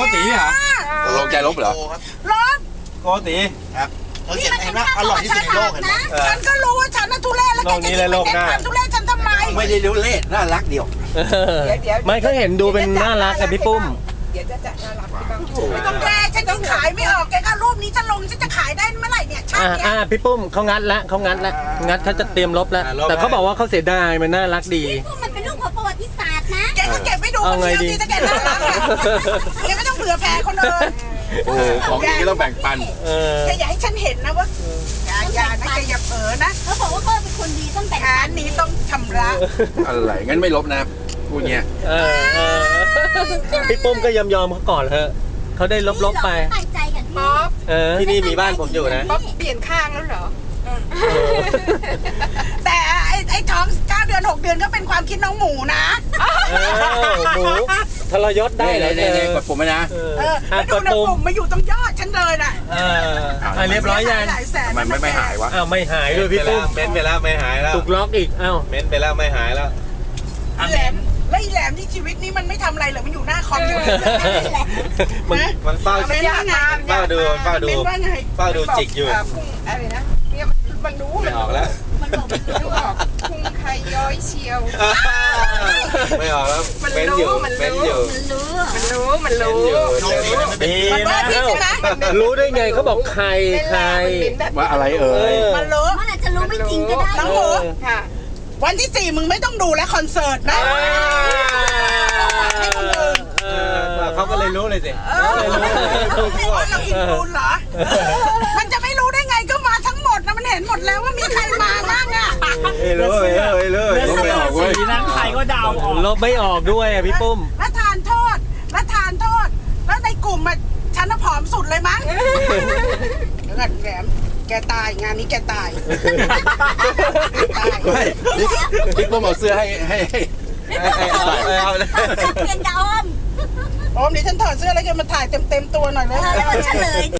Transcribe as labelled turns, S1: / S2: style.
S1: ตีเหรอลงใจลบเหรอ
S2: ลบ
S1: โกตี
S3: ครับเขาเขียนเห็นว่าอร่อยที่สุดในโลกเห็นไหม
S2: ฉันก็รู้ว่าฉันน่ะทุเรศแล้วแกจะยิ่งไปเน้นความทุเรศฉันทำไม
S3: ไม่ได้รู้เล่น่ารักเดียว
S4: ไม่เขาเห็นดูเป็นน่ารักกับพี่ปุ้ม
S5: เดี๋ยวจะน่ารักบ้าง
S2: ไม่ต้องแกฉันยังขายไม่ออกแกก็รูปนี้จะลงฉันจะขายได้เมื่อไหร่เนี่ยชาติเนี้ย
S4: พี่ปุ้มเขางัดแล้วงัดเขาจะเตรียมลบแล้วแต่เขาบอกว่าเขาเสียดายมันน่ารักดี
S2: มันเป็นเรื่องของประวัติศาสตร์นะแกก็เก็บไว้ดูคนเดียวที่จะแกน่ารักแกไม่ต้องเผื่อแผ่คนอื่น
S1: ของดีก็ต้องแบ่งปัน
S2: แกอย่าให้ฉันเห็นนะว่าอย่านะแกอย่าเผลอนะเขาบอกว่าเขาเป็นคนดีต้องแบ่งปันนี้ต้องชำระ
S1: อะไรงั้นไม่ลบนะพูดเงี้ย
S4: พี่ปุ้มก็ยอมเขาก่อนเถอะเขาได้ลบไป
S5: ป๊อป
S4: ที่นี่มีบ้านผมอยู่นะ
S5: ป๊อปเปลี่ยนข้างแล้วเหรอ
S2: แต่ไอ้ท้อง9 เดือน 6 เดือนก็เป็นความคิดน้องหมูนะ
S4: หมูทรยศได้เลย
S1: กดปุ่มไหมนะ
S2: แล้วดูนะปุ่มมาอยู่ตรงยอดฉันเลยน่ะ
S4: เรียบร้อยยัง
S1: มันไม่หายวะ
S4: ไม่หายด้วยพี่ปุ้ม
S3: เม้นไปแล้วไม่หายแล้ว
S4: ถูกล็อกอีก
S3: เม้นไปแล้วไม่หายแล้ว
S2: แหลมแล้วอีแหลมที่ชีวิตนี้มันไม่ทำอะไรเลยมันอยู่หน้าคอมอยู่
S3: มันเฝ้าดูจิกอยู่
S5: อะไรนะเนี่ยมันรู้
S3: ไม่ออกแล้ว
S5: มันบอกพุงใครย้อยเชียว
S3: ไม่ออกแล้วเป็นอยู่
S4: ดีนะรู้ได้ไงเขาบอกใคร
S1: ว่าอะไร
S2: มันรู้มันอาจจะรู้ไม่จริงก็ได้น้องหมูค่ะวันที่4มึงไม่ต้องดูแล้วคอนเสิร์ตนะ
S3: เขาก็เลยรู้เลยสิ
S2: ว่าเราอินฟูนเหรอมันจะไม่รู้ได้ไงก็มาทั้งหมดนะมันเห็นหมดแล้วว่ามีใครมาบ้างอ่ะ
S3: รู้
S1: ลบไม่ออกเว้ย
S4: นั่งใครก็เดาออกลบไม่ออกด้วยอ่ะพี่ปุ้ม
S2: แล้วทานโทษแล้วในกลุ่มอ่ะฉันน่ะผอมสุดเลยมั้งเดี๋ยวก่อนแหลมแกตายงานนี้แกตาย
S1: ไม่พี่ปุ้มเอาเสื้อให้
S2: เอาเลยเปลี่ยนดอมนี่ฉันถอดเสื้อแล้วแกมาถ่ายเต็มตัวหน่อยเลยแล้วเฉลย